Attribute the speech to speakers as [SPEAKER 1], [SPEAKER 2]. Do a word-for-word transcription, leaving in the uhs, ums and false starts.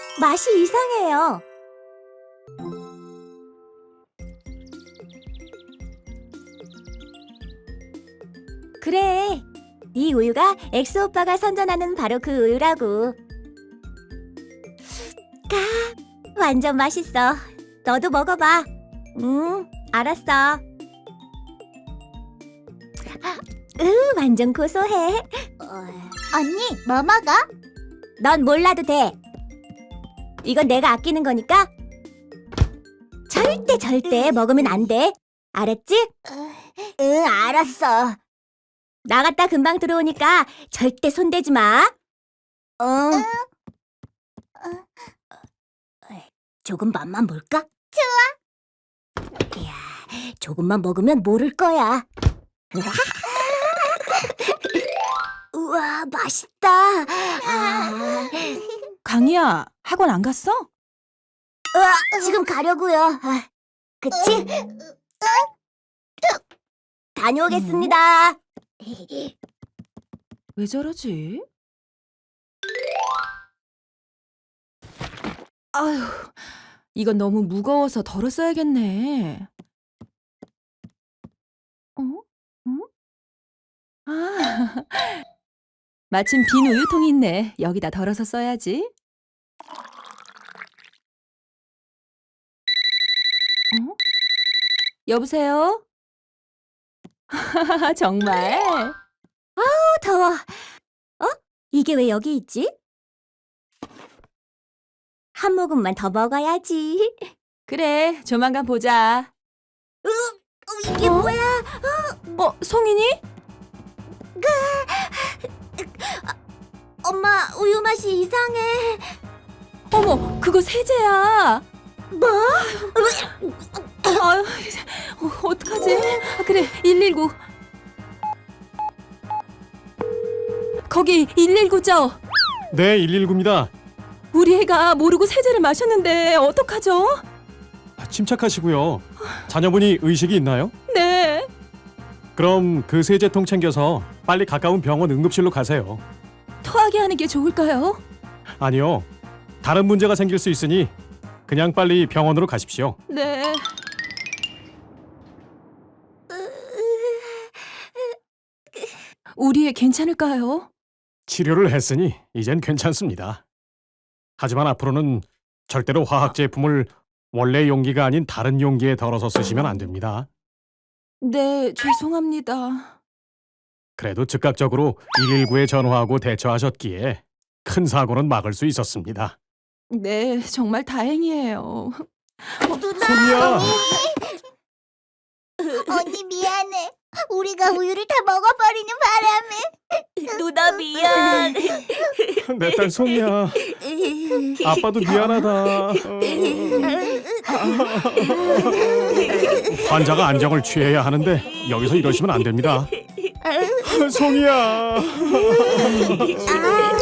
[SPEAKER 1] 맛이 이상해요. 그래, 이 우유가 엑소 오빠가 선전하는 바로 그 우유라고. 까, 완전 맛있어. 너도 먹어봐. 응, 알았어. 으, 완전 고소해.
[SPEAKER 2] 언니, 뭐 먹어?
[SPEAKER 1] 넌 몰라도 돼. 이건 내가 아끼는 거니까 절대 절대 먹으면 안 돼. 알았지?
[SPEAKER 2] 응, 알았어.
[SPEAKER 1] 나갔다 금방 들어오니까 절대 손대지 마. 응. 조금 맛만 볼까? 좋아. 이야, 조금만 먹으면 모를 거야. 우와, 맛있다. 아,
[SPEAKER 3] 강희야, 학원 안 갔어?
[SPEAKER 1] 으아, 지금 가려고요. 아, 그치? 다녀오겠습니다.
[SPEAKER 3] 왜 저러지? 아휴, 이건 너무 무거워서 덜어 써야겠네. 어? 응? 아, 마침 빈 우유통이 있네. 여기다 덜어서 써야지. 어? 여보세요? 정말?
[SPEAKER 1] 어, 더워. 어? 이게 왜 여기 있지? 한 모금만 더 먹어야지.
[SPEAKER 3] 그래, 조만간 보자.
[SPEAKER 1] 으, 이게
[SPEAKER 3] 어?
[SPEAKER 1] 뭐야?
[SPEAKER 3] 어, 송인이?
[SPEAKER 1] 엄마, 우유 맛이 이상해.
[SPEAKER 3] 어머, 그거 세제야.
[SPEAKER 1] 뭐?
[SPEAKER 3] 아유, 어, 어떡하지? 아, 그래, 일일구. 거기 일일구죠?
[SPEAKER 4] 네, 일일구입니다.
[SPEAKER 3] 우리 애가 모르고 세제를 마셨는데 어떡하죠?
[SPEAKER 4] 침착하시고요. 자녀분이 의식이 있나요?
[SPEAKER 3] 네.
[SPEAKER 4] 그럼 그 세제통 챙겨서 빨리 가까운 병원 응급실로 가세요.
[SPEAKER 3] 토하게 하는 게 좋을까요?
[SPEAKER 4] 아니요. 다른 문제가 생길 수 있으니 그냥 빨리 병원으로 가십시오.
[SPEAKER 3] 네. 우리 애 괜찮을까요?
[SPEAKER 4] 치료를 했으니 이젠 괜찮습니다. 하지만 앞으로는 절대로 화학 제품을 원래 용기가 아닌 다른 용기에 덜어서 쓰시면 안 됩니다.
[SPEAKER 3] 네, 죄송합니다.
[SPEAKER 4] 그래도 즉각적으로 일일구에 전화하고 대처하셨기에 큰 사고는 막을 수 있었습니다.
[SPEAKER 3] 네, 정말 다행이에요.
[SPEAKER 4] 소미야!
[SPEAKER 2] 언니 미안해. 우리가 우유를 다 먹어버리는 바람에.
[SPEAKER 1] 누나 미안.
[SPEAKER 4] 내 딸 소미야. 아빠도 미안하다. 환자가 안정을 취해야 하는데 여기서 이러시면 안 됩니다. 송이야.
[SPEAKER 2] 아,